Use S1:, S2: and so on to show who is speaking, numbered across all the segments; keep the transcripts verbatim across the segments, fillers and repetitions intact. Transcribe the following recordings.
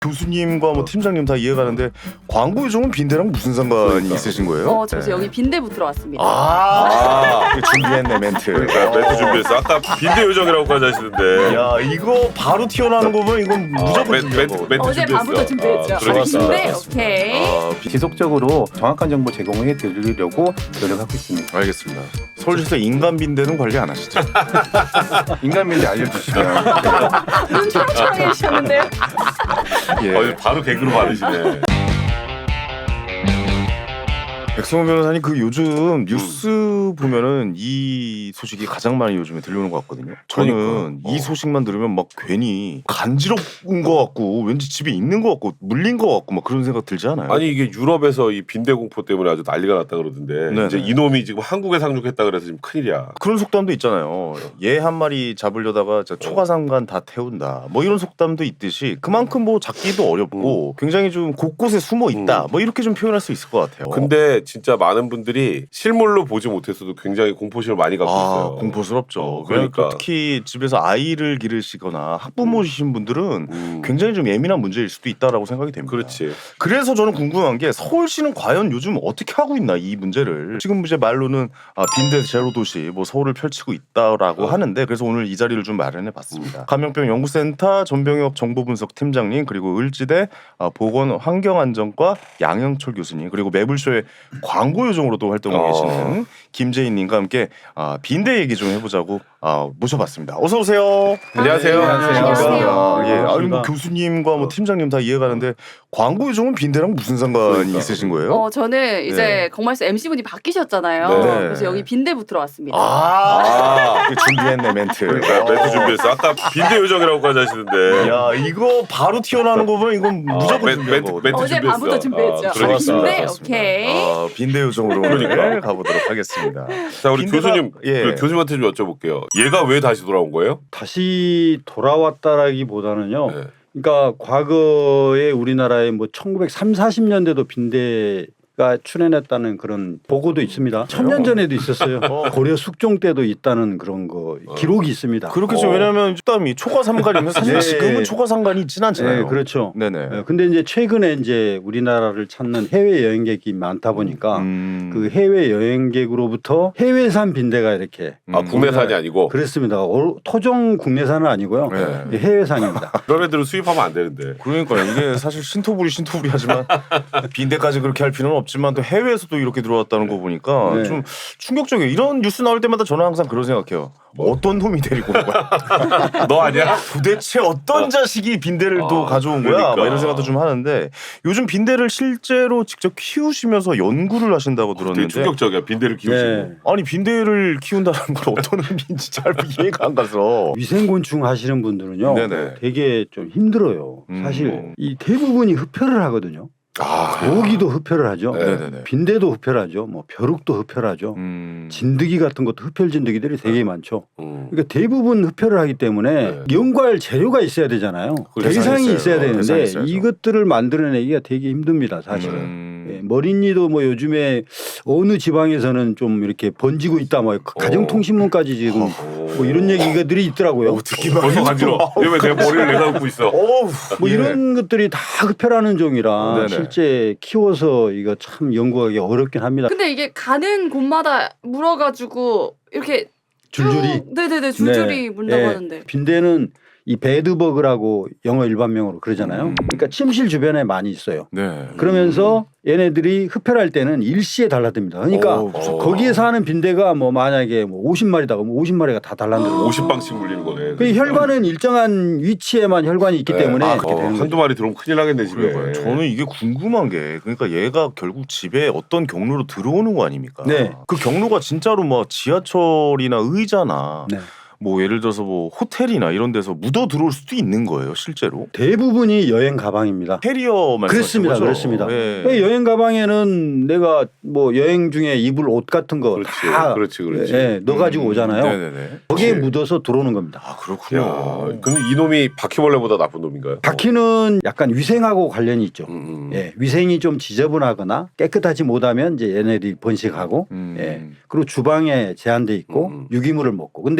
S1: 교수님과 뭐 팀장님 다 이해가는데 광고 요정은 빈대랑 무슨 상관이 그러니까. 있으신 거예요?
S2: 어, 저 네. 여기 빈대 붙으러 왔습니다.
S1: 아, 아 준비했네 멘트.
S3: 그러니까 멘트 준비했어. 아까 빈대 요정이라고까지 하시는데.
S1: 야 이거 바로 튀어나오는 거 보면 이건
S3: 아,
S1: 무조건
S3: 멘, 멘트, 멘트
S2: 어제
S3: 준비했어.
S2: 밤부터 준비했죠.
S3: 아, 그러니까.
S2: 빈대 오케이.
S1: 아,
S4: 지속적으로 정확한 정보 제공해 드리려고 노력하고 있습니다.
S1: 알겠습니다. 서울시에서 인간 빈대는 관리 안 하시죠?
S4: 인간미를 알려주시면
S2: 눈 초롱초롱해지셨는데요.
S1: 예.
S3: 어, 바로 개그로 받으시네.
S1: 백성호 변호사님 그 요즘 뉴스 보면은 이 소식이 가장 많이 요즘에 들려오는 것 같거든요. 저는
S3: 그러니까.
S1: 이
S3: 어.
S1: 소식만 들으면 막 괜히 간지럽은 것 같고 왠지 집에 있는 것 같고 물린 것 같고 막 그런 생각 들지 않아요?
S3: 아니 이게 유럽에서 이 빈대 공포 때문에 아주 난리가 났다 그러던데
S1: 네네.
S3: 이제 이놈이 지금 한국에 상륙했다 그래서 지금 큰일이야.
S1: 그런 속담도 있잖아요. 얘 한 마리 잡으려다가 저 초가상간 다 태운다. 뭐 이런 속담도 있듯이 그만큼 뭐 잡기도 어렵고 굉장히 좀 곳곳에 숨어 있다.
S3: 음.
S1: 뭐 이렇게 좀 표현할 수 있을 것 같아요.
S3: 근데 진짜 많은 분들이 실물로 보지 못했어도 굉장히 공포심을 많이 갖고
S1: 아,
S3: 있어요.
S1: 공포스럽죠.
S3: 어,
S1: 그러니까
S3: 그러니까.
S1: 특히 집에서 아이를 기르시거나 학부모이신 분들은
S3: 음.
S1: 굉장히 좀 예민한 문제일 수도 있다라고 생각이 됩니다.
S3: 그렇지.
S1: 그래서 저는 궁금한 게 서울시는 과연 요즘 어떻게 하고 있나 이 문제를. 지금 이제 말로는 아, 빈대 제로 도시 뭐 서울을 펼치고 있다라고
S3: 어.
S1: 하는데 그래서 오늘 이 자리를 좀 마련해봤습니다. 감염병 연구센터 전병혁 정보분석 팀장님 그리고 을지대 아, 보건환경안전과 양영철 교수님 그리고 매불쇼의 광고 요정으로도 활동하고
S3: 어.
S1: 계시는 김재인님과 함께 아, 빈대 얘기 좀 해보자고 아, 모셔봤습니다. 어서 오세요.
S3: 안녕하세요.
S2: 안녕하세요.
S1: 예, 아니 뭐 교수님과 뭐 팀장님 다 이해가는데 광고 요정은 빈대랑 무슨 상관이
S3: 그러니까.
S1: 있으신 거예요?
S2: 어, 저는 이제
S1: 네.
S2: 공말스 엠씨분이 바뀌셨잖아요.
S3: 네.
S2: 그래서 여기 빈대 붙으러 왔습니다.
S1: 아, 그 준비했네 멘트.
S3: 그러니까 멘트 준비했어. 아까 빈대 요정이라고까지 하시는데.
S1: 야 이거 바로 튀어나오는 거 보면 이건
S3: 아,
S1: 무조건
S3: 멘-
S1: 준비한
S3: 멘트-
S1: 거거든요.
S3: 멘트
S2: 어제
S3: 준비했어.
S2: 밤부터 준비했죠.
S3: 아,
S2: 그러니까. 빈대
S1: 그렇습니다.
S2: 오케이.
S1: 아, 빈대 요정으로
S3: 그러니까.
S1: 오늘 가보도록 하겠습니다.
S3: 자 우리
S1: 빈대가-
S3: 교수님,
S1: 예.
S3: 그 교수님한테 좀 여쭤볼게요. 얘가 왜 다시 돌아온 거예요?
S5: 다시 돌아왔다라기보다는요.
S3: 네.
S5: 그러니까 과거에 우리나라에 뭐 천구백삼십, 사십 년대도 빈대가 출현했다는 그런 보고도 있습니다. 천년 전에도 있었어요. 고려 숙종 때도 있다는 그런 거 기록이 있습니다.
S1: 그렇겠죠.
S3: 어.
S1: 왜냐하면 일단이 초과삼간이면 사실
S5: 네.
S1: 지금은 초과삼간이 있진 않잖아요.
S5: 네, 그렇죠.
S1: 네네.
S5: 네, 근데 이제 최근에 이제 우리나라를 찾는 해외 여행객이 많다 보니까
S1: 음.
S5: 그 해외 여행객으로부터 해외산 빈대가 이렇게
S3: 아 국내산이 아니고
S5: 그렇습니다. 어, 토종 국내산은 아니고요.
S1: 네.
S5: 네, 해외산입니다.
S3: 그런 애들은 수입하면 안 되는데.
S1: 그러니까 이게 사실 신토부리 신토부리 하지만 빈대까지 그렇게 할 필요는 없지만 또 해외에서도 이렇게 들어왔다는 거 보니까
S5: 네.
S1: 좀 충격적이에요. 이런 뉴스 나올 때마다 저는 항상 그런 생각해요.
S3: 뭐?
S1: 어떤 놈이 데리고 온 거야?
S3: 너 아니야?
S1: 도대체 어떤 자식이 빈대를 또
S3: 아,
S1: 가져온 거야?
S3: 그러니까.
S1: 막 이런 생각도 좀 하는데 요즘 빈대를 실제로 직접 키우시면서 연구를 하신다고
S3: 되게
S1: 들었는데
S3: 충격적이야. 빈대를 키우시고.
S5: 네.
S1: 아니 빈대를 키운다는 건 어떤 의미인지 잘 이해가 안 가서
S5: 위생곤충 하시는 분들은요.
S1: 네네.
S5: 되게 좀 힘들어요.
S1: 음.
S5: 사실 이 대부분이 흡혈을 하거든요.
S3: 아,
S5: 모기도 흡혈을 하죠.
S3: 네.
S1: 네네네.
S5: 빈대도 흡혈하죠. 뭐 벼룩도 흡혈하죠.
S1: 음.
S5: 진드기 같은 것도 흡혈 진드기들이 되게 많죠.
S3: 음.
S5: 그러니까 대부분 흡혈을 하기 때문에
S3: 네.
S5: 연구할 재료가 있어야 되잖아요.
S1: 대상이
S5: 대상이
S1: 있어요.
S5: 있어야
S1: 어, 대상이
S5: 되는데
S1: 있어야죠.
S5: 이것들을 만들어내기가 되게 힘듭니다. 사실은.
S1: 음.
S5: 예, 머릿니도 뭐 요즘에 어느 지방에서는 좀 이렇게 번지고 있다. 뭐 가정통신문까지 지금 뭐 이런 얘기들이 있더라고요.
S1: 듣기만
S3: 벌써
S1: 해도
S3: 간지러. 왜 내 머리를 내가 긋고 있어?
S1: 어우,
S5: 뭐
S1: 예.
S5: 이런 것들이 다 흡혈하는 종이라
S1: 네네.
S5: 실제 키워서 이거 참 연구하기 어렵긴 합니다.
S2: 근데 이게 가는 곳마다 물어가지고 이렇게
S5: 줄줄이.
S2: 쭉, 네네네 줄줄이
S5: 네.
S2: 문다고
S5: 네.
S2: 하는데.
S5: 빈대는 이 베드버그라고 영어 일반명으로 그러잖아요.
S1: 음.
S5: 그러니까 침실 주변에 많이 있어요.
S1: 네.
S5: 그러면서 얘네들이 흡혈할 때는 일시에 달라듭니다. 그러니까
S1: 어우, 무섭다.
S5: 거기에 사는 빈대가 뭐 만약에 뭐 오십 마리다 그러면 오십 마리가 다 달라들어요.
S3: 오십 방씩 물리는 거네.
S5: 그 혈관은 일정한 위치에만 혈관이 있기
S3: 네.
S5: 때문에
S3: 아,
S5: 그렇게
S3: 어,
S5: 되는
S3: 한두
S5: 거죠.
S3: 마리 들어오면 큰일 나겠네 집에.
S1: 그러니까요. 저는 이게 궁금한 게 그러니까 얘가 결국 집에 어떤 경로로 들어오는 거 아닙니까?
S5: 네.
S1: 그 경로가 진짜로 뭐 지하철이나 의자나
S5: 네.
S1: 뭐 예를 들어서 뭐 호텔이나 이런 데서 묻어 들어올 수도 있는 거예요, 실제로.
S5: 대부분이 여행 가방입니다.
S1: 캐리어 말씀하시는
S5: 그렇습니다,
S1: 거죠?
S5: 그렇습니다.
S1: 예.
S5: 그 여행 가방에는 내가 뭐 여행 중에 입을 옷 같은 거
S3: 그렇지,
S5: 다
S3: 그렇지, 그렇지.
S5: 예, 넣어가지고 오잖아요.
S1: 네네네.
S5: 거기에
S3: 그렇지.
S5: 묻어서 들어오는 겁니다.
S1: 아 그렇군요.
S3: 야, 근데 이놈이 바퀴벌레보다 나쁜 놈인가요?
S5: 바퀴는 약간 위생하고 관련이 있죠.
S3: 음, 음.
S5: 예, 위생이 좀 지저분하거나 깨끗하지 못하면 이제 얘네들이 번식하고
S1: 음.
S5: 예, 그리고 주방에 제한돼 있고
S3: 음.
S5: 유기물을 먹고. 근데 빈대는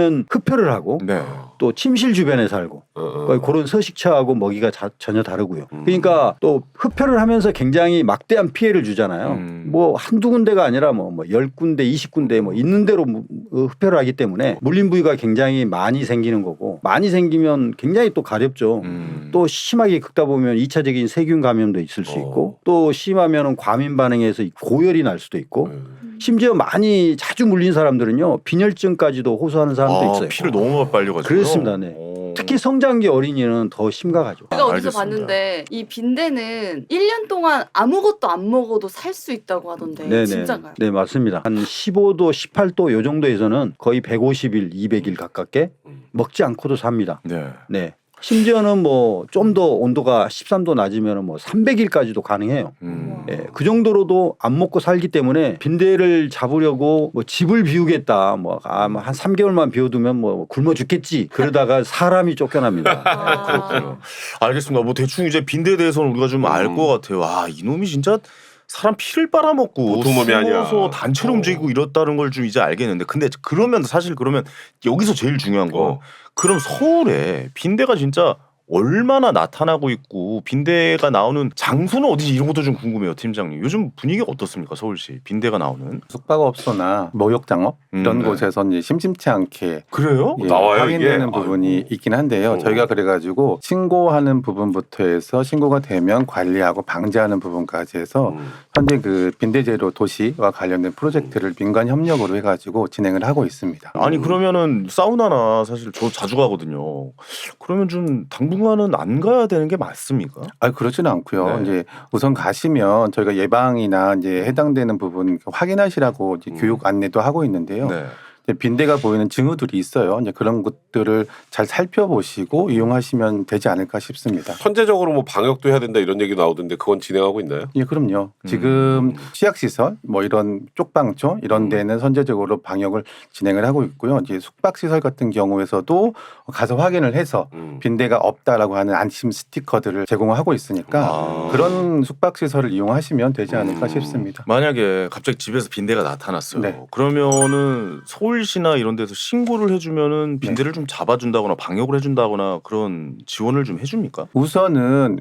S5: 빈대는 흡혈을 하고
S1: 네.
S5: 또 침실 주변에 살고
S3: 어, 어.
S5: 그러니까 그런 서식처하고 먹이가 자, 전혀 다르고요.
S3: 음.
S5: 그러니까 또 흡혈을 하면서 굉장히 막대한 피해를 주잖아요.
S1: 음.
S5: 뭐 한두 군데가 아니라 뭐, 뭐 열 군데, 이십 군데 뭐 있는 대로 무- 어, 흡혈을 하기 때문에 물린 부위가 굉장히 많이 생기는 거고 많이 생기면 굉장히 또 가렵죠.
S1: 음.
S5: 또 심하게 긁다 보면 이 차적인 세균 감염도 있을 수
S3: 어.
S5: 있고 또 심하면 과민 반응해서 고열이 날 수도 있고
S3: 음.
S5: 심지어 많이 자주 물린 사람들은요 빈혈증까지도 호소하는 사람도
S1: 아,
S5: 있어요.
S1: 피를 너무 빨려가지고.
S5: 그렇습니다. 네. 특히 성장기 어린이는 더 심각하죠.
S2: 제가
S1: 아,
S2: 어디서
S1: 알겠습니다.
S2: 봤는데 이 빈대는 일 년 동안 아무것도 안 먹어도 살 수 있다고 하던데
S5: 네네.
S2: 진짜인가요?
S5: 네 맞습니다. 한 십오 도, 십팔 도 요 정도에서는 거의 백오십 일, 이백 일 가깝게 먹지 않고도 삽니다.
S1: 네.
S5: 네. 심지어는 뭐 좀 더 온도가 십삼 도 낮으면 뭐 삼백 일까지도 가능해요.
S1: 음.
S5: 예, 그 정도로도 안 먹고 살기 때문에 빈대를 잡으려고 뭐 집을 비우겠다, 뭐 한 삼 개월만 비워두면 뭐 굶어 죽겠지. 그러다가 사람이 쫓겨납니다.
S2: 아,
S1: 그렇군요. 알겠습니다. 뭐 대충 이제 빈대에 대해서는 우리가 좀 알
S3: 음.
S1: 것 같아요. 아, 이놈이 진짜 사람 피를 빨아먹고
S3: 보통 놈이 아니야.
S1: 숨어서 단체로
S3: 어.
S1: 움직이고 이렇다는 걸 좀 이제 알겠는데 근데 그러면 사실 그러면 여기서 제일 중요한 건
S3: 어.
S1: 그럼 서울에 빈대가 진짜 얼마나 나타나고 있고 빈대가 나오는 장소는 어디지 이런 것도 좀 궁금해요, 팀장님. 요즘 분위기가 어떻습니까, 서울시 빈대가 나오는?
S4: 숙박업소나 목욕장업 이런
S1: 음, 네.
S4: 곳에서 이제 심심치 않게
S1: 그래요?
S4: 예,
S3: 나와요,
S4: 확인되는
S3: 이게?
S4: 부분이
S3: 아이고.
S4: 있긴 한데요.
S3: 어.
S4: 저희가 그래가지고 신고하는 부분부터 해서 신고가 되면 관리하고 방지하는 부분까지 해서
S3: 음.
S4: 현재 그 빈대제로 도시와 관련된 프로젝트를 민간 협력으로 해가지고 진행을 하고 있습니다.
S1: 아니 그러면은 사우나나 사실 저 자주 가거든요. 그러면 좀 당분간은 안 가야 되는 게 맞습니까?
S4: 아 그렇지는 않고요.
S1: 네.
S4: 이제 우선 가시면 저희가 예방이나 이제 해당되는 부분 확인하시라고 이제
S3: 음.
S4: 교육 안내도 하고 있는데요.
S1: 네.
S4: 이제 빈대가 보이는 징후들이 있어요. 이제 그런 것들을 잘 살펴보시고 이용하시면 되지 않을까 싶습니다.
S3: 선제적으로 뭐 방역도 해야 된다 이런 얘기 나오던데 그건 진행하고 있나요?
S4: 예, 그럼요.
S1: 음.
S4: 지금 취약시설, 뭐 이런 쪽방촌 이런
S3: 음.
S4: 데는 선제적으로 방역을 진행을 하고 있고요. 이제 숙박시설 같은 경우에서도 가서 확인을 해서
S3: 음.
S4: 빈대가 없다라고 하는 안심 스티커들을 제공하고 있으니까
S1: 아.
S4: 그런 숙박시설을 이용하시면 되지 않을까
S3: 음.
S4: 싶습니다.
S1: 만약에 갑자기 집에서 빈대가 나타났어요.
S4: 네.
S1: 그러면은 서울시나 이런 데서 신고를 해주면은 빈대를 좀 잡아준다거나 방역을 해준다거나 그런 지원을 좀 해줍니까?
S4: 우선은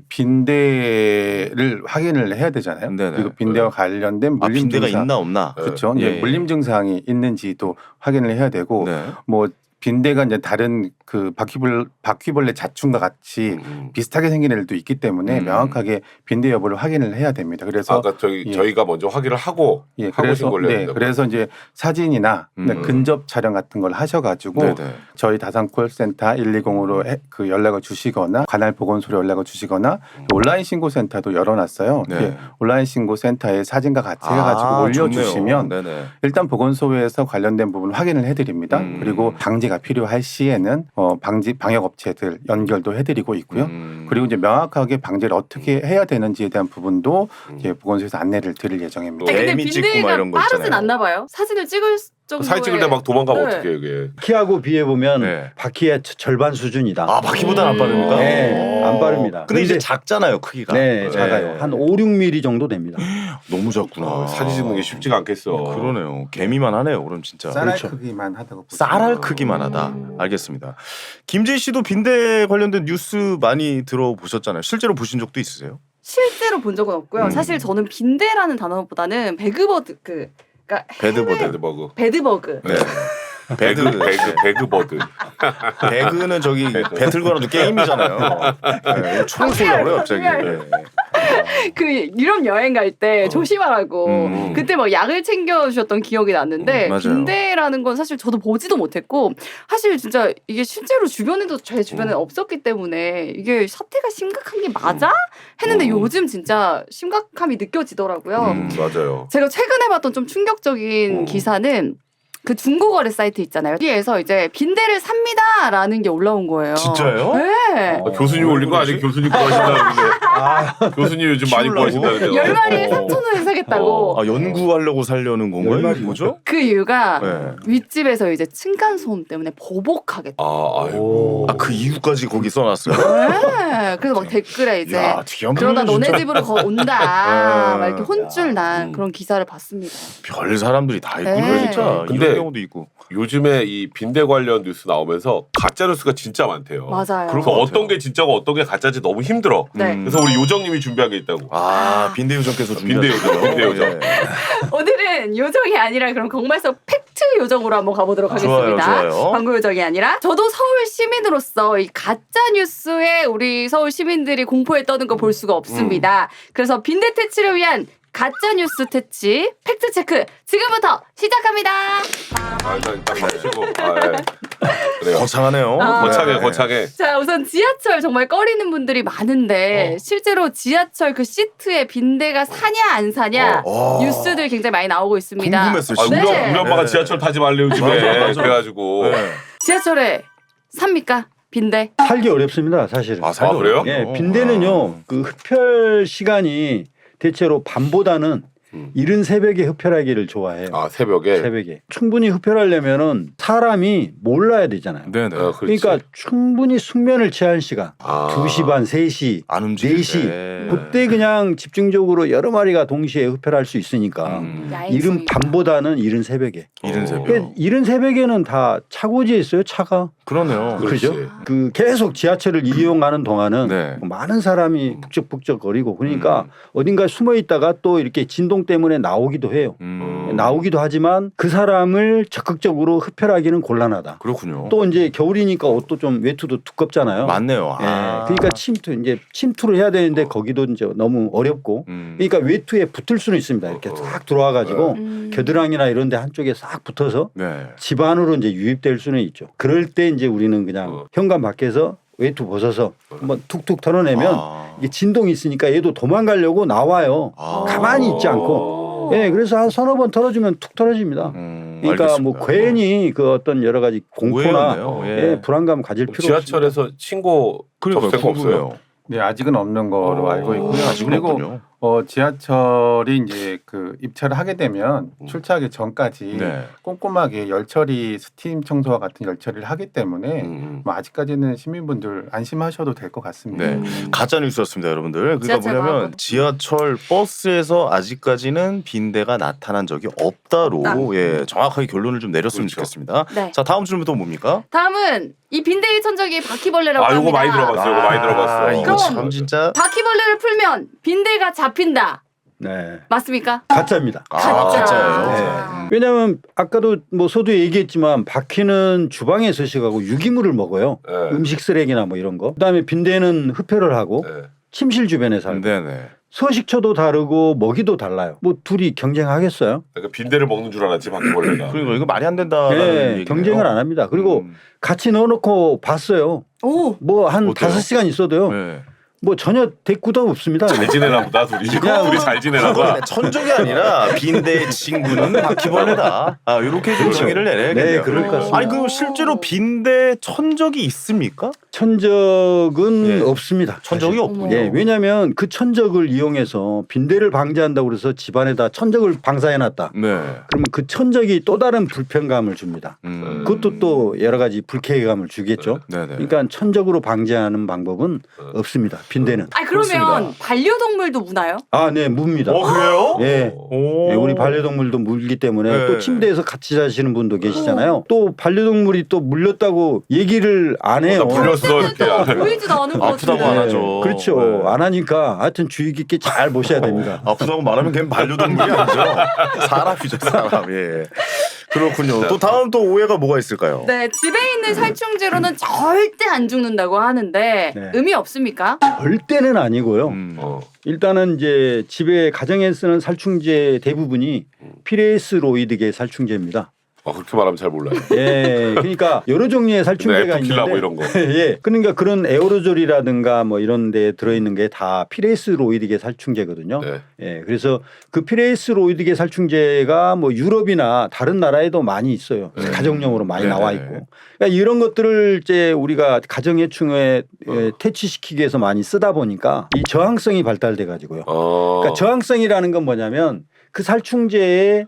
S4: 빈대를 확인을 해야 되잖아요.
S1: 네네.
S4: 그리고 빈대와 관련된
S1: 아
S4: 물림
S1: 빈대가
S4: 증상,
S1: 있나 없나?
S4: 그렇죠.
S1: 예,
S4: 이제
S1: 예.
S4: 물림 증상이 있는지도 확인을 해야 되고
S1: 네.
S4: 뭐 빈대가 이제 다른 그 바퀴벌 바퀴벌레 자충과 같이
S3: 음.
S4: 비슷하게 생긴 애들도 있기 때문에
S1: 음.
S4: 명확하게 빈대 여부를 확인을 해야 됩니다. 그래서
S3: 아까 저희
S4: 예.
S3: 저희가 먼저 확인을 하고
S4: 예,
S3: 하고
S4: 그래서
S3: 신고를 해야
S4: 네,
S3: 된다고요?
S4: 그래서 이제 사진이나
S1: 음.
S4: 근접 촬영 같은 걸 하셔가지고
S1: 네네.
S4: 저희 다산 콜센터 일이공으로 그 연락을 주시거나 관할 보건소로 연락을 주시거나 온라인 신고센터도 열어놨어요.
S1: 네.
S4: 이렇게 온라인 신고센터에 사진과 같이 해가지고
S1: 아,
S4: 올려주시면
S1: 좋네요. 네네.
S4: 일단 보건소에서 관련된 부분 확인을 해드립니다.
S1: 음.
S4: 그리고 방지가 필요할 시에는 어, 방지 방역 업체들 연결도 해드리고 있고요.
S1: 음.
S4: 그리고 이제 명확하게 방제를 어떻게 해야 되는지에 대한 부분도
S3: 음.
S4: 이제 보건소에서 안내를 드릴 예정입니다.
S2: 아니, 근데
S1: 개미 찍고 막
S2: 빈대가
S1: 이런 거
S2: 빠르진
S1: 있잖아요.
S2: 않나 봐요. 사진을 찍을 정도의
S3: 사진 찍을 때 막 도망가면
S2: 네.
S3: 어떡해 이게.
S5: 바퀴하고 비해 보면
S1: 네.
S5: 바퀴의 저- 절반 수준이다.
S1: 아 바퀴보다 안
S2: 음.
S1: 빠릅니까?
S5: 네,
S1: 오.
S5: 안 빠릅니다.
S1: 근데 이제
S5: 근데-
S1: 작잖아요 크기가.
S5: 네, 작아요. 한 오, 육 밀리미터 정도 됩니다.
S1: 너무 작구나.
S3: 아, 사진 찍는 게 쉽지가 않겠어.
S1: 그러네요. 개미만 하네요. 그럼 진짜.
S4: 쌀알
S5: 그렇죠.
S4: 크기만 하다고 보시면
S1: 쌀알 크기만 하다.
S2: 음.
S1: 알겠습니다. 김재희 씨도 빈대 관련된 뉴스 많이 들어보셨잖아요. 실제로 보신 적도 있으세요?
S2: 실제로 본 적은 없고요.
S1: 음.
S2: 사실 저는 빈대라는 단어보다는 배그버드 그 그러니까
S1: 배드버드.
S3: 배드버그.
S2: 배드버그.
S1: 네.
S3: 배드
S1: 배드.
S3: 배드 배그버드.
S1: 배그는 저기 배틀 그라운드 게임이잖아요. 네, 총을 쏘려고 그래요 갑자기. 네.
S2: 그 유럽 여행 갈 때
S3: 어.
S2: 조심하라고
S1: 음.
S2: 그때 막 약을 챙겨 주셨던 기억이 났는데
S1: 음, 맞아요.
S2: 빈대라는 건 사실 저도 보지도 못했고 사실 진짜 이게 실제로 주변에도 제 주변에
S3: 음.
S2: 없었기 때문에 이게 사태가 심각한 게 맞아? 했는데
S3: 음.
S2: 요즘 진짜 심각함이 느껴지더라고요.
S1: 음.
S3: 맞아요.
S2: 제가 최근에 봤던 좀 충격적인
S3: 음.
S2: 기사는 그 중고거래 사이트 있잖아요. 여기에서 이제 빈대를 삽니다라는 게 올라온 거예요.
S1: 진짜요?
S2: 네.
S3: 아, 교수님 올린 거 아니에요? 교수님 거 하신다는데. 교수님 요즘 많이
S1: 키우려고?
S3: 구하신다는데요.
S2: 열 마리에
S1: 어.
S2: 삼천 원에 사겠다고.
S1: 아 연구하려고 살려는 건가요?
S5: 열 마리
S1: 뭐죠?
S2: 그 이유가
S1: 네.
S2: 윗집에서 이제 층간 소음 때문에 보복하겠다.
S3: 아, 아이고.
S1: 아 그 이유까지 거기 써놨어요?
S2: 네. 그래서 막 댓글에 이제
S1: 야, 뒤안
S2: 그러다
S1: 보이네,
S2: 너네
S1: 진짜.
S2: 집으로 거 온다.
S1: 네.
S2: 막 이렇게 혼쭐 난
S3: 음.
S2: 그런 기사를 봤습니다.
S1: 별 사람들이 다 있군요,
S2: 네.
S1: 진짜.
S3: 근데
S1: 이런 경우도 있고.
S3: 요즘에 이 빈대 관련 뉴스 나오면서 가짜 뉴스가 진짜 많대요.
S2: 맞아요.
S3: 그래서 어떤 게 진짜고 어떤 게 가짜인지 너무 힘들어.
S2: 네.
S3: 그래서 우리 요정님이 준비한 게 있다고.
S1: 아 빈대 요정께서
S3: 빈대 요정, 빈대 요정.
S2: 오늘은 요정이 아니라 그럼 정말서 팩트 요정으로 한번 가보도록
S1: 좋아요,
S2: 하겠습니다.
S1: 좋아요.
S2: 광고 요정이 아니라 저도 서울 시민으로서 이 가짜 뉴스에 우리 서울 시민들이 공포에 떠는 거 볼 수가 없습니다. 그래서 빈대 퇴치를 위한 가짜 뉴스 퇴치 팩트 체크 지금부터 시작합니다.
S3: 아, 일단 딱 마시고. 아, 예. 그래요.
S1: 거창하네요.
S2: 아.
S3: 거창해,
S1: 네.
S3: 거창해.
S2: 자, 우선 지하철 정말 꺼리는 분들이 많은데
S3: 어.
S2: 실제로 지하철 그 시트에 빈대가 사냐 안 사냐
S1: 어.
S2: 뉴스들 굉장히 많이 나오고 있습니다.
S1: 궁금했어요.
S3: 아, 우리,
S1: 진짜.
S2: 네.
S3: 우리 엄마가
S1: 네.
S3: 지하철 타지 말래 요즘에.
S1: 맞아, 맞아.
S3: 그래가지고.
S1: 네.
S2: 지하철에 삽니까? 빈대?
S5: 살기 어렵습니다, 사실은.
S1: 아, 살기
S3: 아, 그래요?
S1: 어렵네요.
S5: 예, 빈대는요. 그 흡혈 시간이 대체로 밤보다는
S3: 음.
S5: 이른 새벽에 흡혈하기를 좋아해요.
S3: 아, 새벽에.
S5: 새벽에. 충분히 흡혈하려면은 사람이 몰라야 되잖아요.
S1: 네네.
S3: 어, 그렇지.
S5: 그러니까 충분히 숙면을 취한 시간.
S3: 아.
S5: 두 시 반, 세 시,
S1: 안 움직일
S5: 네 시.
S1: 때.
S5: 그때 그냥 집중적으로 여러 마리가 동시에 흡혈할 수 있으니까
S1: 음.
S5: 이른 밤보다는 이른 새벽에.
S1: 이른
S3: 어.
S1: 새벽.
S5: 그러니까 이른 새벽에는 다 차고지에 있어요, 차가.
S1: 그러네요.
S3: 그렇지.
S5: 그죠? 그 계속 지하철을 이용하는 동안은
S1: 네.
S5: 많은 사람이 북적북적거리고 그러니까
S1: 음.
S5: 어딘가 숨어 있다가 또 이렇게 진동 때문에 나오기도 해요.
S1: 음.
S5: 나오기도 하지만 그 사람을 적극적으로 흡혈하기는 곤란하다.
S1: 그렇군요.
S5: 또 이제 겨울이니까 옷도 좀 외투도 두껍잖아요.
S1: 맞네요.
S5: 예,
S1: 아.
S5: 그러니까 침투 이제 침투를 해야 되는데 거기도 이제 너무 어렵고
S1: 음.
S5: 그러니까 외투에 붙을 수는 있습니다. 이렇게 싹 들어와 가지고
S2: 음.
S5: 겨드랑이나 이런 데 한쪽에 싹 붙어서
S1: 네.
S5: 집 안으로 이제 유입될 수는 있죠. 그럴 때 이제 우리는 그냥
S3: 어.
S5: 현관 밖에서 외투 벗어서 한번 툭툭 털어내면
S1: 아.
S5: 이게 진동이 있으니까 얘도 도망가려고 나와요.
S1: 아.
S5: 가만히 있지 않고. 예, 그래서 한 서너 번 털어주면 툭 털어집니다.
S1: 음,
S5: 그러니까
S1: 알겠습니다.
S5: 뭐 괜히 그 어떤 여러 가지 공포나
S1: 오해였네요. 예.
S5: 예, 불안감 가질 필요
S3: 지하철에서 신고
S1: 그러니까
S3: 접수가 없어요.
S1: 궁금해요.
S4: 네, 아직은 없는 거로
S3: 어.
S4: 알고 있고요.
S1: 아직은
S4: 그리고
S1: 없군요.
S4: 어, 지하철이 이제 그 입찰을 하게 되면
S3: 음.
S4: 출차하기 전까지
S1: 네.
S4: 꼼꼼하게 열처리 스팀 청소와 같은 열처리를 하기 때문에
S3: 음.
S4: 뭐 아직까지는 시민분들 안심하셔도 될 것 같습니다.
S1: 네.
S2: 음.
S1: 가짜 뉴스였습니다, 여러분들. 그러니까
S2: 지하철
S1: 뭐냐면
S2: 마법.
S1: 지하철 버스에서 아직까지는 빈대가 나타난 적이 없다로
S2: 없다.
S1: 예, 정확하게 결론을 좀 내렸으면
S3: 그렇죠.
S1: 좋겠습니다.
S2: 네.
S1: 자, 다음 질문부터 뭡니까?
S2: 다음은 이 빈대의 천적이 바퀴벌레라고
S3: 아,
S2: 합니다.
S3: 요거 많이 들어봤어요. 요거 많이 들어봤어.
S1: 아, 이거
S2: 그럼-
S1: 참 진짜
S2: 바퀴벌레를 풀면 빈대가 잡힌다.
S5: 네.
S2: 맞습니까?
S5: 가짜입니다.
S1: 아,
S2: 가짜.
S1: 가짜예요.
S5: 네.
S1: 음.
S5: 왜냐하면 아까도 뭐 서두 얘기했지만 바퀴는 주방에 서식하고 유기물을 먹어요.
S3: 네.
S5: 음식 쓰레기나 뭐 이런 거. 그다음에 빈대는 흡혈을 하고
S3: 네.
S5: 침실 주변에 살고
S1: 네네.
S5: 서식처도 다르고 먹이도 달라요. 뭐 둘이 경쟁하겠어요?
S3: 그러니까 빈대를 먹는 줄 알았지 바퀴벌레가.
S1: 그러니까 이거 말이 안 된다라는
S5: 네,
S1: 얘기네요.
S5: 경쟁을 안 합니다. 그리고
S1: 음.
S5: 같이 넣어놓고 봤어요.
S2: 오.
S5: 뭐 한
S1: 어때요?
S5: 다섯 시간 있어도요.
S1: 네.
S5: 뭐 전혀 대꾸도 없습니다.
S3: 잘 지내나 보다 둘이.
S1: 이거
S3: 둘이 잘 지내나 봐.
S1: 그거는 천적이 아니라 빈대의 친구는 바퀴벌레다. 아 이렇게 좀 정의를 내려야겠네요.
S5: 네, 그럴 것 같습니다.
S1: 아니 그럼 실제로 빈대 천적이 있습니까?
S5: 천적은
S1: 예.
S5: 없습니다.
S1: 천적이
S5: 사실.
S1: 없군요.
S5: 예, 왜냐하면 그 천적을 이용해서 빈대를 방지한다고 그래서 집안에다 천적을 방사해놨다.
S1: 네.
S5: 그러면 그 천적이 또 다른 불편감을 줍니다.
S1: 음.
S5: 그것도 또 여러 가지 불쾌감을 주겠죠.
S1: 네네.
S5: 그러니까 천적으로 방지하는 방법은 없습니다. 빈대는.
S2: 아 그러면
S1: 그렇습니다.
S2: 반려동물도 무나요?
S5: 아, 네, 묵니다.
S1: 어 그래요?
S5: 예.
S1: 오.
S5: 예, 우리 반려동물도 물기 때문에
S1: 네.
S5: 또 침대에서 같이 자시는 분도 계시잖아요. 또 반려동물이 또 물렸다고 얘기를 안 해요.
S3: 나 불렸어 이렇게.
S2: 또 보이지도 않은 것
S1: 아프다고
S2: 같은데.
S1: 안 하죠.
S5: 그렇죠.
S1: 네.
S5: 안 하니까 하여튼 주의 깊게 잘 보셔야 됩니다.
S1: 아프다고 말하면 걔는 반려동물이 아니죠. 사람이죠, 사람. 예. 그렇군요. 또 다음 또 오해가 뭐가 있을까요?
S2: 네, 집에 있는 살충제로는 절대 안 죽는다고 하는데
S5: 네.
S2: 의미 없습니까?
S5: 절대는 아니고요.
S1: 음.
S3: 어.
S5: 일단은 이제 집에 가정에 쓰는 살충제 대부분이 피레스로이드계 살충제입니다.
S3: 아, 그렇게 말하면 잘 몰라요.
S5: 예, 그러니까 여러 종류의 살충제가
S3: 에프킬라
S5: 있는데,
S3: 뭐 이런 거.
S5: 예, 그러니까 그런 에어로졸이라든가 뭐 이런 데 들어있는 게 다 피레이스로이드계 살충제거든요.
S3: 네.
S5: 예, 그래서 그 피레이스로이드계 살충제가 뭐 유럽이나 다른 나라에도 많이 있어요.
S3: 네.
S5: 가정용으로 많이
S1: 네.
S5: 나와 있고. 그러니까 이런 것들을 이제 우리가 가정해충에 예, 퇴치시키기 위해서 많이 쓰다 보니까 이 저항성이 발달돼 가지고요.
S3: 어.
S5: 그러니까 저항성이라는 건 뭐냐면 그 살충제에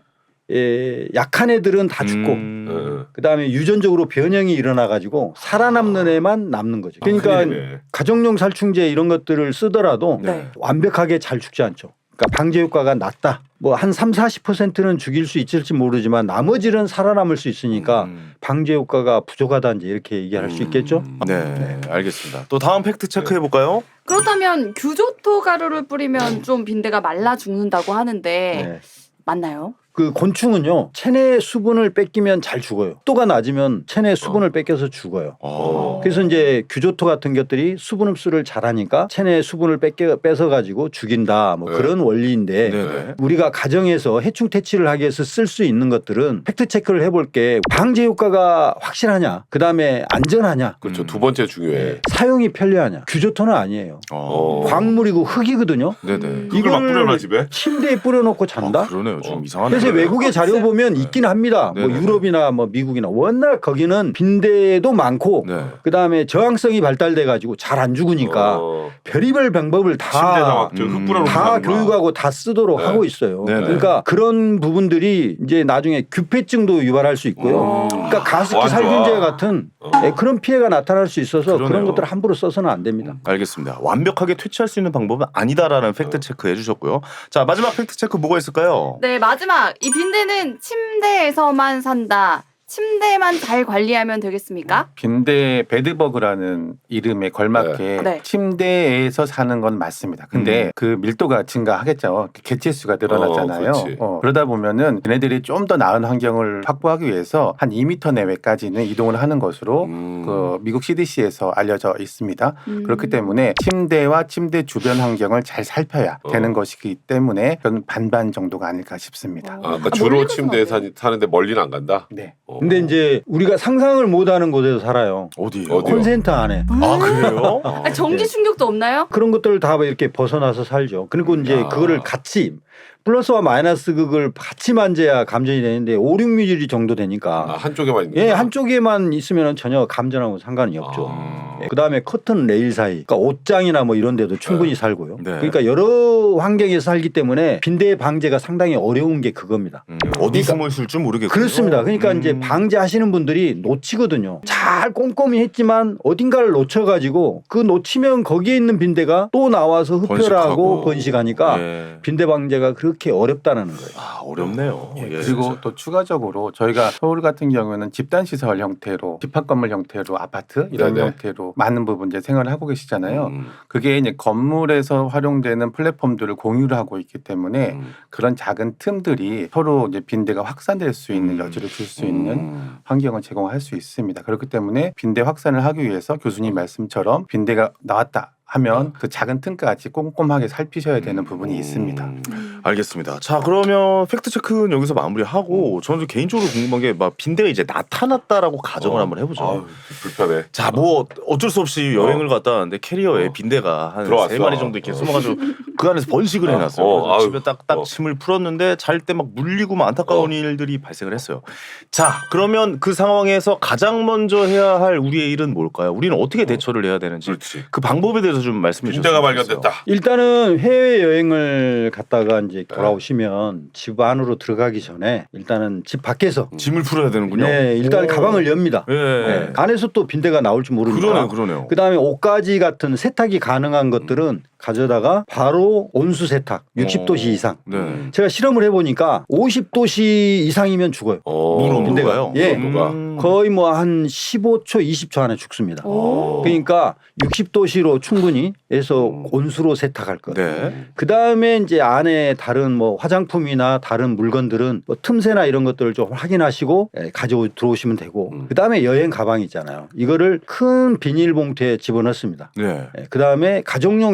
S5: 예, 약한 애들은 다 죽고
S1: 음.
S3: 네.
S5: 그다음에 유전적으로 변형이 일어나 가지고 살아남는 애만 남는 거죠. 그러니까
S3: 큰일이네.
S5: 가정용 살충제 이런 것들을 쓰더라도
S2: 네.
S5: 완벽하게 잘 죽지 않죠. 그러니까 방제 효과가 낮다. 뭐 한 삼, 사십 퍼센트는 죽일 수 있을지 모르지만 나머지는 살아남을 수 있으니까
S1: 음.
S5: 방제 효과가 부족하다 이제 이렇게 얘기할 수 있겠죠.
S3: 음.
S1: 네, 알겠습니다. 또 다음 팩트 체크해 볼까요?
S2: 그렇다면 규조토 가루를 뿌리면 좀 빈대가 말라 죽는다고 하는데
S5: 네.
S2: 맞나요?
S5: 그 곤충은요 체내 수분을 뺏기면 잘 죽어요. 속도가 낮으면 체내 수분을 뺏겨서 죽어요.
S1: 어.
S5: 그래서 이제 규조토 같은 것들이 수분 흡수를 잘하니까 체내 수분을 뺏겨 뺏어 가지고 죽인다 뭐
S3: 네.
S5: 그런 원리인데
S1: 네네.
S5: 우리가 가정에서 해충 퇴치를 하기 위해서 쓸 수 있는 것들은 팩트 체크를 해볼 게 방제 효과가 확실하냐, 그 다음에 안전하냐,
S3: 그렇죠.
S1: 음.
S3: 두 번째 중요해.
S5: 예, 사용이 편리하냐. 규조토는 아니에요.
S1: 어.
S5: 광물이고 흙이거든요.
S1: 네네.
S3: 그걸 막 뿌려놔 집에?
S5: 침대에 뿌려놓고 잔다.
S1: 아, 그러네요. 좀
S3: 어.
S1: 이상하네요.
S5: 그래서 외국의 자료 보면 있긴 합니다. 뭐
S1: 네네.
S5: 유럽이나 뭐 미국이나 워낙 거기는 빈대도 많고
S1: 네.
S5: 그다음에 저항성이 발달돼 가지고 잘 안 죽으니까
S3: 어.
S5: 별의별 방법을
S3: 침대에다
S5: 다
S3: 막
S1: 음.
S3: 흙 뿌려놓고
S5: 다
S3: 사는구나.
S5: 교육하고 다 쓰도록
S3: 네.
S5: 하고 있어요.
S1: 네네.
S5: 그러니까 그런 부분들이 이제 나중에 규폐증도 유발할 수 있고요.
S3: 음.
S5: 그러니까 가습기
S3: 와, 좋아.
S5: 살균제 같은
S3: 어.
S5: 예, 그런 피해가 나타날 수 있어서
S1: 그러네요.
S5: 그런 것들을 함부로 써서는 안 됩니다.
S1: 알겠습니다. 완벽하게 퇴치할 수 있는 방법은 아니다라는 팩트 체크 해주셨고요. 자, 마지막 팩트 체크 뭐가 있을까요?
S2: 네, 마지막 이 빈대는 침대에서만 산다. 침대만 잘 관리하면 되겠습니까?
S4: 빈대 베드버그라는 이름에 걸맞게
S2: 네.
S4: 침대에서 사는 건 맞습니다. 근데
S1: 음.
S4: 그 밀도가 증가하겠죠. 개체수가 늘어나잖아요.
S3: 어, 그렇지.
S4: 어, 그러다 보면은 얘네들이 좀 더 나은 환경을 확보하기 위해서 한 이 미터 내외까지는 이동을 하는 것으로
S3: 음.
S4: 그 미국 씨디씨에서 알려져 있습니다.
S2: 음.
S4: 그렇기 때문에 침대와 침대 주변 환경을 잘 살펴야
S3: 어.
S4: 되는 것이기 때문에 저는 반반 정도가 아닐까 싶습니다.
S2: 어.
S3: 아, 그러니까
S2: 아,
S3: 주로
S2: 멀리
S3: 침대에
S2: 가서
S3: 사, 사는데 멀리는 안 간다.
S4: 네.
S3: 어.
S5: 근데 이제 우리가 상상을 못하는 곳에서 살아요.
S1: 어디요?
S3: 어디요?
S5: 콘센트 안에.
S1: 아, 그래요?
S2: 아, 전기 충격도 없나요?
S5: 그런 것들을 다 이렇게 벗어나서 살죠. 그리고 이제
S3: 야.
S5: 그거를 같이 플러스와 마이너스 극을 같이 만져야 감전이 되는데 오, 육 미리 정도
S3: 아,
S5: 되니까
S3: 한쪽에만 있는
S5: 예,
S3: 거야?
S5: 한쪽에만 있으면 전혀 감전하고 상관이 없죠.
S3: 아.
S5: 예, 그다음에 커튼 레일 사이, 그러니까 옷장이나 뭐 이런 데도 충분히 살고요.
S1: 네.
S5: 그러니까 여러 환경에서 살기 때문에 빈대 방제가 상당히 어려운 게 그겁니다.
S1: 음, 어디 숨어 있을 줄 모르겠군요.
S5: 그렇습니다. 그러니까
S1: 음.
S5: 이제 방제하시는 분들이 놓치거든요. 잘 꼼꼼히 했지만 어딘가를 놓쳐가지고 그 놓치면 거기에 있는 빈대가 또 나와서 흡혈하고
S1: 번식하고.
S5: 번식하니까
S1: 예.
S5: 빈대 방제가 그렇게 어렵다는 거예요.
S1: 아, 어렵네요.
S4: 예,
S1: 예.
S4: 그리고 또 추가적으로 저희가 서울 같은 경우에는 집단시설 형태로 집합 건물 형태로 아파트 이런
S3: 네네.
S4: 형태로 많은 부분 이제 생활을 하고 계시잖아요.
S3: 음.
S4: 그게 이제 건물에서 활용되는 플랫폼들을 공유를 하고 있기 때문에
S3: 음.
S4: 그런 작은 틈들이 서로 이제 빈대가 확산될 수 있는
S1: 음.
S4: 여지를 줄 수 있는
S3: 음.
S4: 환경을 제공할 수 있습니다. 그렇기 때문에 빈대 확산을 하기 위해서 교수님 말씀처럼 빈대가 나왔다 하면 그 작은 틈까지 꼼꼼하게 살피셔야 되는 부분이 있습니다.
S3: 음.
S1: 알겠습니다. 자, 그러면 팩트 체크는 여기서 마무리하고 저는 개인적으로 궁금한 게 막 빈대가 이제 나타났다라고 가정을
S3: 어.
S1: 한번 해보죠.
S3: 아유, 불편해.
S1: 자, 뭐 어쩔 수 없이 여행을 갔다 왔는데 캐리어에
S3: 어.
S1: 빈대가 한
S3: 들어왔어.
S1: 세 마리 정도 이렇게
S3: 어.
S1: 숨어가지고 그 안에서 번식을 해놨어요.
S3: 어,
S1: 그래서
S3: 아유.
S1: 집에 딱딱
S3: 어.
S1: 침을 풀었는데 잘 때 막 물리고 막 안타까운
S3: 어.
S1: 일들이 발생을 했어요. 자, 그러면 그 상황에서 가장 먼저 해야 할 우리의 일은 뭘까요? 우리는 어떻게 대처를 해야 되는지
S3: 그렇지.
S1: 그 방법에 대해서 좀 말씀해 주세요.
S3: 빈대가 발견됐다.
S5: 일단은 해외 여행을 갔다가 이제 돌아오시면 집 안으로 들어가기 전에 일단은 집 밖에서
S1: 짐을 풀어야 되는군요.
S5: 네, 일단
S1: 오.
S5: 가방을 엽니다.
S1: 예.
S5: 네, 안에서 또 빈대가 나올지 모르니까.
S1: 그러네요, 그러네요.
S5: 그다음에 옷가지 같은 세탁이 가능한 것들은 가져다가 바로 온수 세탁 육십 도씨
S1: 어.
S5: 이상.
S1: 네.
S5: 제가 실험을 해보니까 오십 도씨 이상이면 죽어요.
S3: 어.
S1: 물
S5: 빈대가.
S1: 온도가요?
S5: 예.
S3: 온도가.
S1: 음.
S5: 거의 뭐 한 십오 초, 이십 초 안에 죽습니다.
S2: 오.
S5: 그러니까 육십 도씨로 충분히 해서
S3: 음.
S5: 온수로 세탁할 것.
S1: 네.
S5: 그 다음에 이제 안에 다른 뭐 화장품이나 다른 물건들은 뭐 틈새나 이런 것들을 좀 확인하시고 예, 가지고 들어오시면 되고
S3: 음.
S5: 그 다음에 여행 가방 있잖아요. 이거를 큰 비닐봉투에 집어넣습니다.
S1: 네.
S5: 그 다음에 가정용 에어로졸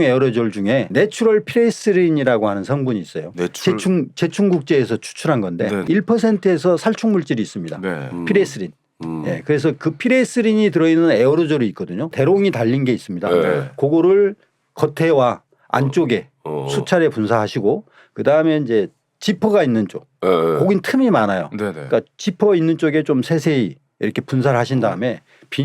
S5: 에어로졸 중에 내추럴 피레스린이라고 하는 성분이 있어요.
S1: 내추럴-
S5: 제충 제충국제에서 추출한 건데
S1: 네.
S5: 일 퍼센트에서 살충 물질이 있습니다.
S1: 네.
S3: 음.
S5: 피레스린.
S3: 음.
S5: 예, 그래서 그 피레스린이 들어있는 에어로졸이 있거든요. 대롱이 달린 게 있습니다.
S3: 네.
S5: 그거를 겉에와 안쪽에
S3: 어.
S5: 수차례 분사하시고 그 다음에 이제 지퍼가 있는 쪽,
S3: 예, 예.
S5: 거긴 틈이 많아요.
S1: 네네.
S5: 그러니까 지퍼 있는 쪽에 좀 세세히 이렇게 분사를 하신 다음에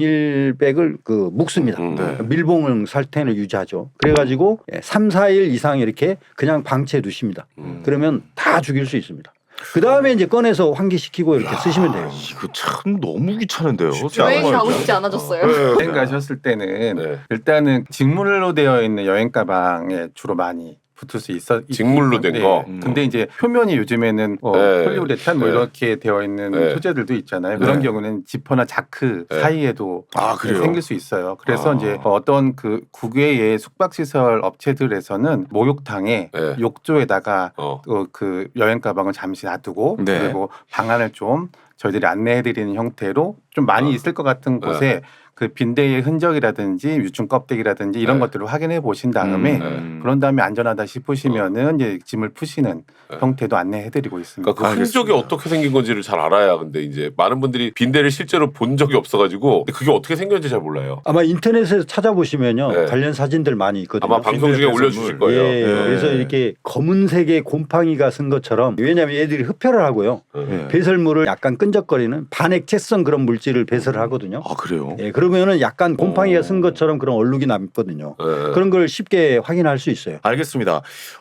S5: 비닐백을 그 묶습니다.
S3: 음.
S1: 네.
S5: 밀봉 상태를 유지하죠. 그래가지고 삼, 사 일 이상 이렇게 그냥 방치해 두십니다.
S3: 음.
S5: 그러면 다 죽일 수 있습니다. 그 다음에 이제 꺼내서 환기시키고 이렇게 쓰시면 돼요.
S1: 이거 참 너무 귀찮은데요.
S3: 쉽지
S2: 여행
S3: 않아요.
S2: 가고 싶지 않아졌어요.
S3: 네.
S4: 여행 가셨을 때는
S3: 네.
S4: 일단은 직물로 되어 있는 여행 가방에 주로 많이 붙을 수 있어.
S3: 직물로 된
S4: 네.
S3: 거?
S1: 음.
S4: 근데 이제 표면이 요즘에는 어,
S3: 네.
S4: 폴리우레탄 뭐
S3: 네.
S4: 이렇게 되어 있는
S3: 네.
S4: 소재들도 있잖아요. 그런
S3: 네.
S4: 경우는 지퍼나 자크
S3: 네.
S4: 사이에도
S1: 아, 그래요?
S4: 생길 수 있어요. 그래서
S3: 아.
S4: 이제 어떤 그 국외의 숙박시설 업체들에서는 목욕탕에
S3: 네.
S4: 욕조에다가
S3: 어.
S4: 어, 그 여행 가방을 잠시 놔두고
S1: 네.
S4: 그리고 방안을 좀 저희들이 안내해드리는 형태로 좀 많이
S3: 어.
S4: 있을 것 같은 곳에 그 빈대의 흔적이라든지 유충 껍데기라든지 이런
S3: 네.
S4: 것들을 확인해 보신 다음에
S1: 음.
S4: 그런 다음에 안전하다 싶으시면은 이제 짐을 푸시는
S3: 네.
S4: 형태도 안내해드리고 있습니다.
S3: 그러니까 그 흔적이 어떻게 생긴 건지를 잘 알아야 근데 이제 많은 분들이 빈대를 실제로 본 적이 없어가지고 근데 그게 어떻게 생겼는지 잘 몰라요.
S5: 아마 인터넷에서 찾아보시면요
S3: 네.
S5: 관련 사진들 많이 있거든요.
S3: 아마 방송 중에 올려주실 거예요.
S5: 예,
S1: 네.
S5: 그래서 이렇게 검은색의 곰팡이가 쓴 것처럼 왜냐하면 애들이 흡혈을 하고요.
S1: 네.
S5: 배설물을 약간 끈적거리는 반액체성 그런 물질을 배설을 하거든요.
S1: 아 그래요?
S5: 예, 그러면은 약간 곰팡이가
S3: 오.
S5: 쓴 것처럼 그런 얼룩이 남거든요.
S3: 네.
S5: 그런 걸 쉽게 확인할 수 있어요.
S1: 알겠습니다.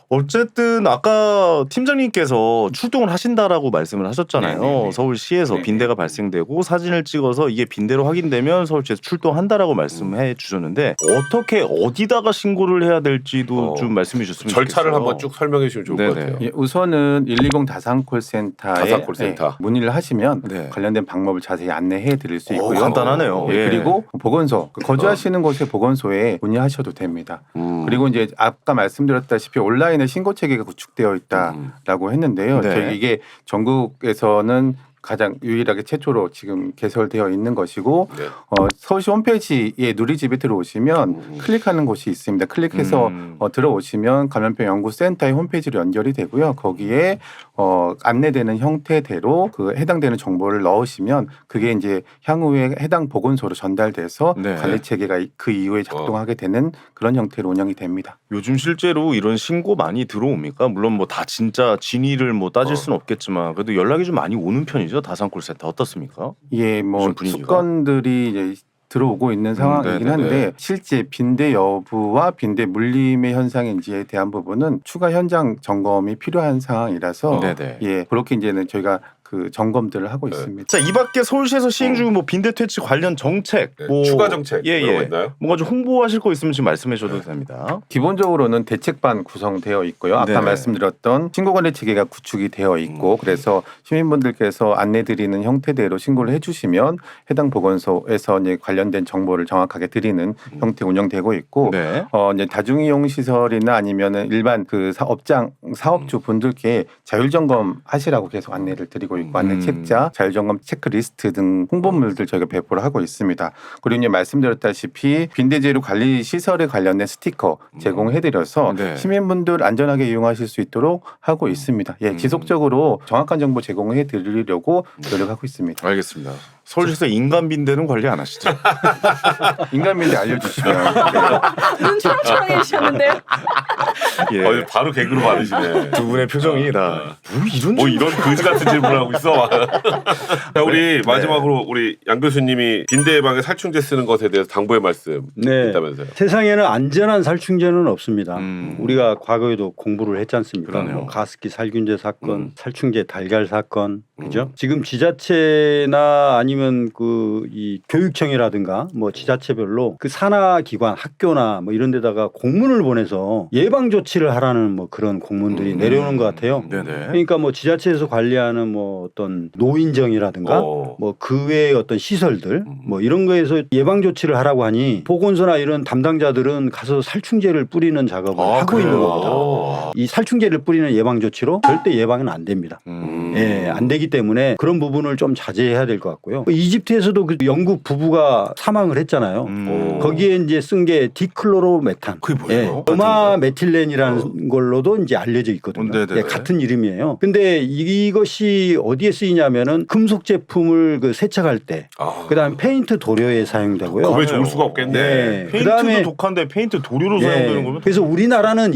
S1: 어쨌든 아까 팀장님께서 출동을 하신다라고 말씀을 하셨잖아요.
S4: 네네네.
S1: 서울시에서
S4: 네네.
S1: 빈대가 발생되고 사진을 찍어서 이게 빈대로 확인되면 서울시에서 출동한다라고 말씀해 주셨는데 어떻게 어디다가 신고를 해야 될지도
S3: 어.
S1: 좀 말씀해 주셨으면
S3: 절차를
S1: 좋겠어요.
S3: 한번 쭉 설명해 주시면 좋을 것
S1: 네네.
S3: 같아요.
S4: 예, 우선은 일이공 다산콜센터에
S3: 다산콜센터.
S4: 예, 문의를 하시면
S1: 네.
S4: 관련된 방법을 자세히 안내해 드릴 수
S1: 오,
S4: 있고요.
S1: 간단하네요.
S4: 예,
S1: 예.
S4: 그리고 보건소 그 거주하시는 곳의 보건소에 문의하셔도 됩니다.
S3: 음.
S4: 그리고 이제 아까 말씀드렸다시피 온라인에 신고 체계가 구축되어
S3: 음.
S4: 있다라고 했는데요.
S1: 네.
S4: 저희 이게 전국에서는 가장 유일하게 최초로 지금 개설되어 있는 것이고
S3: 네.
S4: 어, 서울시 홈페이지에 누리집에 들어오시면
S3: 음.
S4: 클릭하는 곳이 있습니다. 클릭해서
S1: 음.
S4: 어, 들어오시면 감염병 연구센터의 홈페이지로 연결이 되고요. 거기에 어, 안내되는 형태대로 그 해당되는 정보를 넣으시면 그게 이제 향후에 해당 보건소로 전달돼서
S1: 네.
S4: 관리 체계가 그 이후에 작동하게 되는 그런 형태로 운영이 됩니다.
S1: 요즘 실제로 이런 신고 많이 들어옵니까? 물론 뭐 다 진짜 진위를 뭐 따질
S3: 어.
S1: 수는 없겠지만 그래도 연락이 좀 많이 오는 편이죠. 다산콜센터 어떻습니까?
S4: 예, 뭐
S1: 무슨 분위기가?
S4: 수건들이 이제 들어오고 있는 상황이긴
S1: 네네네.
S4: 한데 실제 빈대 여부와 빈대 물림의 현상인지에 대한 부분은 추가 현장 점검이 필요한 상황이라서
S1: 네네.
S4: 예, 그렇게 이제는 저희가 그 점검들을 하고
S3: 네.
S4: 있습니다.
S1: 자, 이 밖에 서울시에서 시행 중인 뭐 빈대 퇴치 관련 정책,
S3: 네.
S1: 뭐
S3: 추가 정책
S1: 예,
S3: 그런 거
S1: 예.
S3: 있나요?
S1: 뭔가 좀 홍보하실 거 있으면 지금 말씀해 주셔도 됩니다.
S4: 기본적으로는 대책반 구성되어 있고요. 아까
S1: 네네.
S4: 말씀드렸던 신고관리 체계가 구축이 되어 있고
S3: 음.
S4: 그래서 시민분들께서 안내드리는 형태대로 신고를 해주시면 해당 보건소에서 이제 관련된 정보를 정확하게 드리는 형태 운영되고 있고
S1: 네.
S4: 어 이제 다중이용 시설이나 아니면은 일반 그 사업장 사업주 분들께 자율 점검 하시라고 계속 안내를 드리고 있고 안내
S1: 음.
S4: 책자, 자율 점검 체크리스트 등 홍보물들 저희가 배포를 하고 있습니다. 그리고 이제 말씀드렸다시피 빈대재료 관리 시설에 관련된 스티커 제공해드려서
S1: 네.
S4: 시민분들 안전하게 이용하실 수 있도록 하고 있습니다. 예,
S1: 음.
S4: 지속적으로 정확한 정보 제공해드리려고 노력하고 있습니다.
S1: 알겠습니다. 서울시에서 인간 빈대는 관리 안 하시죠?
S4: 인간민대 알려주시면
S2: 눈 초롱초롱해지셨는데요.
S1: 예.
S3: 어, 바로 개그로 받으시네.
S1: 두 분의 표정이 다 뭐 이런
S3: 뭐
S1: 질문-
S3: 이런 거지 같은 질문을 하고 있어. 자, 우리 마지막으로 우리 양 교수님이 빈대 예방에 살충제 쓰는 것에 대해서 당부의 말씀
S5: 네.
S3: 있다면서요.
S5: 세상에는 안전한 살충제는 없습니다.
S1: 음.
S5: 우리가 과거에도 공부를 했지 않습니까?
S1: 그러네요.
S5: 뭐 가습기 살균제 사건,
S3: 음.
S5: 살충제 달걀 사건, 그죠?
S3: 음.
S5: 지금 지자체나 아니면 그 이 교육청이라든가 뭐 지자체별로 그 산하 기관, 학교나 뭐 이런 데다가 공문을 보내서 예방 조치를 하라는 뭐 그런 공문들이
S3: 음.
S5: 내려오는 것 같아요.
S1: 네네.
S5: 그러니까 뭐 지자체에서 관리하는 뭐 어떤 노인정이라든가
S3: 어.
S5: 뭐 그 외의 어떤 시설들
S3: 음.
S5: 뭐 이런 거에서 예방 조치를 하라고 하니 보건소나 이런 담당자들은 가서 살충제를 뿌리는 작업을
S1: 아,
S5: 하고
S1: 그래요?
S5: 있는 겁니다.
S3: 어.
S5: 이 살충제를 뿌리는 예방 조치로 절대 예방은 안 됩니다.
S1: 음.
S5: 예, 안 되기 때문에 그런 부분을 좀 자제해야 될 것 같고요. 이집트에서도 그 영국 부부가 사망을 했잖아요.
S1: 음.
S5: 거기에 이제 쓴 게 디클로로메탄.
S1: 그게 뭐예요?
S5: 예, 도마 메틸렌이라는 걸로도 이제 알려져 있거든요.
S1: 어, 네네네.
S5: 예, 같은 이름이에요. 근데 이것이 어디에 쓰이냐면은 금속 제품을 그 세척할 때,
S3: 아.
S5: 그다음 페인트 도료에 사용되고요.
S3: 겁에 좋을 수가 없겠네.
S5: 네.
S1: 페인트도
S5: 그다음에
S1: 독한데 페인트 도료로
S5: 예,
S1: 사용되는 거면
S5: 그래서 우리나라는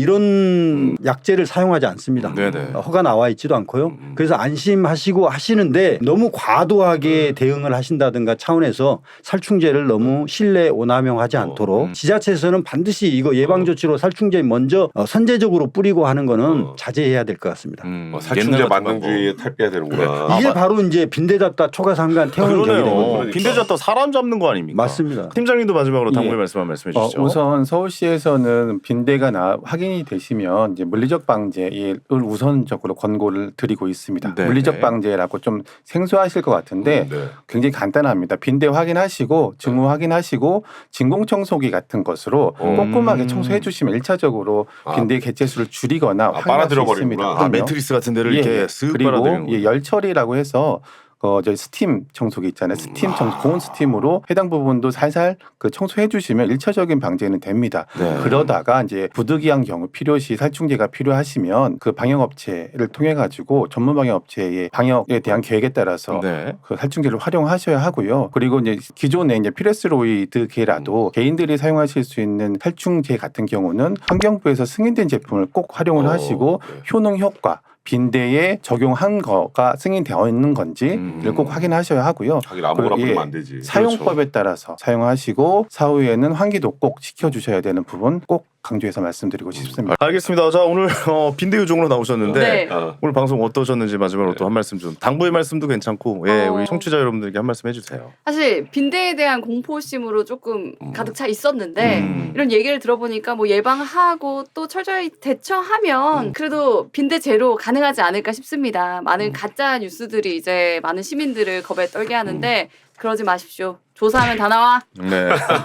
S5: 이런 약재를 사용하지 않습니다.
S1: 네네.
S5: 허가 나와 있지도 않고요.
S3: 음.
S5: 그래서 안심하시고 하시는데 너무 과도하게 대응을 하신다든가 차원에서 살충제를 너무 실내 오남용하지 않도록
S1: 음.
S5: 지자체에서는 반드시 이거 예방 조치로 살충제 먼저 어, 선제적으로 뿌리고 하는 거는
S3: 어.
S5: 자제해야 될 것 같습니다.
S1: 음,
S3: 어, 살충제
S1: 옛날 같은
S3: 만능주의에 탈피해야 되는구나.
S5: 이게
S1: 아,
S5: 바로 이제 빈대 잡다 초가 상간 태우는 격이 되는
S1: 그러네요.
S5: 거죠.
S1: 빈대 잡다 사람 잡는 거 아닙니까?
S5: 맞습니다.
S1: 팀장님도 마지막으로 당부의
S4: 예.
S1: 말씀 한 말씀해
S4: 어,
S1: 주시죠.
S4: 우선 서울시에서는 빈대가 나, 확인이 되시면 이제 물리적 방제를 우선적으로 권고를 드리고 있습니다.
S1: 네네.
S4: 물리적 방제라고 좀 생소하실 것 같은데
S3: 네.
S4: 굉장히 간단합니다. 빈대 확인하시고 증후 확인하시고 진공 청소기 같은 것으로
S3: 음.
S4: 꼼꼼하게 청소해 주시면 일차적으로
S3: 아.
S4: 빈대 개체수를 줄이거나
S3: 아,
S4: 확인할 수
S3: 빨아들여
S4: 있습니다.
S3: 버리는구나.
S1: 아,
S4: 그럼요.
S1: 매트리스 같은 데를
S4: 예,
S1: 이렇게
S4: 예.
S1: 쓱
S4: 그리고
S1: 빨아들이는
S4: 예,
S1: 거죠.
S4: 열 처리라고 해서 어, 저희 스팀 청소기 있잖아요. 스팀 청소, 고온 스팀으로 해당 부분도 살살 그 청소해 주시면 일차적인 방제는 됩니다.
S1: 네.
S4: 그러다가 이제 부득이한 경우 필요시 살충제가 필요하시면 그 방역업체를 통해 가지고 전문 방역업체의 방역에 대한 계획에 따라서
S1: 네.
S4: 그 살충제를 활용하셔야 하고요. 그리고 이제 기존에 이제 피레스로이드계라도 개인들이 사용하실 수 있는 살충제 같은 경우는 환경부에서 승인된 제품을 꼭 활용을
S3: 어,
S4: 하시고
S3: 네.
S4: 효능 효과 빈대에 적용한 거가 승인되어 있는 건지를
S1: 음.
S4: 꼭 확인하셔야 하고요.
S3: 자기 아무거나
S4: 그, 예,
S3: 뿌리면 안 되지.
S4: 사용법에 따라서 사용하시고 사후에는 환기도 꼭 지켜주셔야 되는 부분 꼭 강조해서 말씀드리고 싶습니다.
S1: 알겠습니다. 자 오늘 어, 빈대 요정으로 나오셨는데
S2: 네.
S3: 어.
S1: 오늘 방송 어떠셨는지 마지막으로 또 한 말씀 좀 당부의 말씀도 괜찮고 예,
S2: 어.
S1: 우리 청취자 여러분들께 한 말씀 해주세요.
S2: 사실 빈대에 대한 공포심으로 조금
S3: 음.
S2: 가득 차 있었는데
S1: 음.
S2: 이런 얘기를 들어보니까 뭐 예방하고 또 철저히 대처하면 그래도 빈대 제로 가능하지 않을까 싶습니다. 많은 가짜 뉴스들이 이제 많은 시민들을 겁에 떨게 하는데 그러지 마십시오. 조사하면 다 나와.
S1: 네.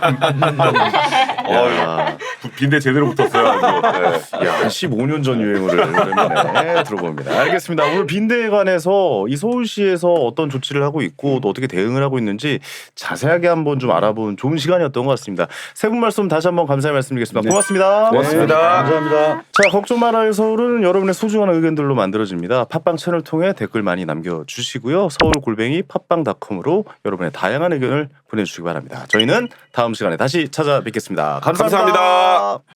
S3: 어,
S1: 야,
S3: 부- 빈대 제대로 붙었어요. 아주. 네.
S1: 야, 한 십오 년 전 유행어를 오랜만에 들어봅니다. 알겠습니다. 오늘 빈대에 관해서 이 서울시에서 어떤 조치를 하고 있고 또 어떻게 대응을 하고 있는지 자세하게 한번 좀 알아본 좋은 시간이었던 것 같습니다. 세 분 말씀 다시 한번 감사의 말씀드리겠습니다.
S5: 네.
S1: 고맙습니다.
S3: 고맙습니다.
S5: 감사합니다.
S1: 자, 걱정 말아요 서울은 여러분의 소중한 의견들로 만들어집니다. 팟빵 채널 통해 댓글 많이 남겨주시고요. 서울 골뱅이 팟빵닷컴으로 여러분의 다양한 의견을 보내주시기 바랍니다. 저희는 다음 시간에 다시 찾아뵙겠습니다 감사합니다.
S3: 감사합니다.